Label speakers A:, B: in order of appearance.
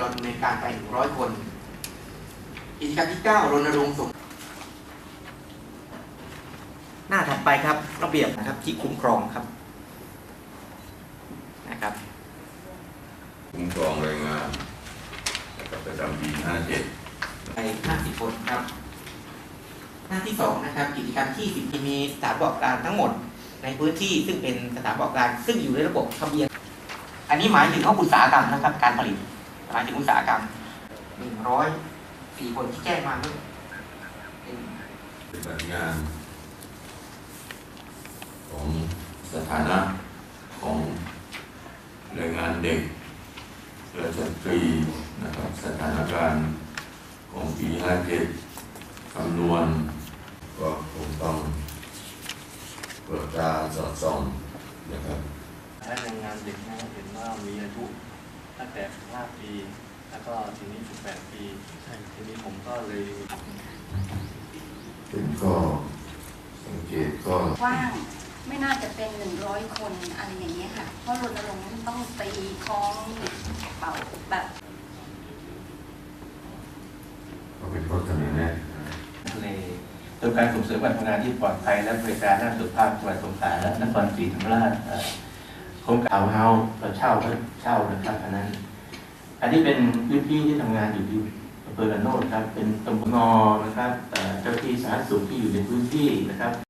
A: เราดำเนินการไป100 คนกิจกรรมที่9รณรงค์ส่งหน้าถัดไปครับระเบียบนะครับที่คุ้มครองครับนะครับ
B: คุ้มครองแรงงานประจำปี57
A: ไป50 คนครับหน้าที่2นะครับกิจกรรมที่10มีสถานประกอบการทั้งหมดในพื้นที่ซึ่งเป็นสถานประกอบการซึ่งอยู่ในระบบทะเบียนอันนี้หมายถึงอุตสาหกรรมนะครับการผลิตหมายถึงอุตสาหกรรม104 คนที่แจ้งมาเมื่อ
B: ปฏิบัติงานของสถานะของแรงงานเด็กและสตรีนะครับสถานการณ์ของปี57คำนวณก็คงต้องตรวจตราสอดส่องนะครับ
C: ให้แรงงานเด็กนะเห็นว่ามีอายุตั้งแต่15 ปีแล้วก็ทีนี้18 ปีทีนี้ผมก็เลย
B: เป็นก็สังเกตก็
D: กว้างไม่น่าจะเป็น100 คนอะไรอย่างเงี้ยค่ะเพราะรณรงค์ต้องตีคล้องเป่าแบบ
B: ก็เป็นข้อเสนอแนะ
E: ในตัวการส่งเสริมการทำงานที่ปลอดภัยและบริการด้านสุขภาพจังหวัดสงขลาและนครศรีธรรมราชโครงการเฮาเราเช่านะครับอันนี้เป็นพื้นที่ที่ทำงานอยู่ที่อำเภอระโนดครับเป็นตำบลงอนะครับเจ้าที่สาธารณสุขที่อยู่ในพื้นที่นะครับ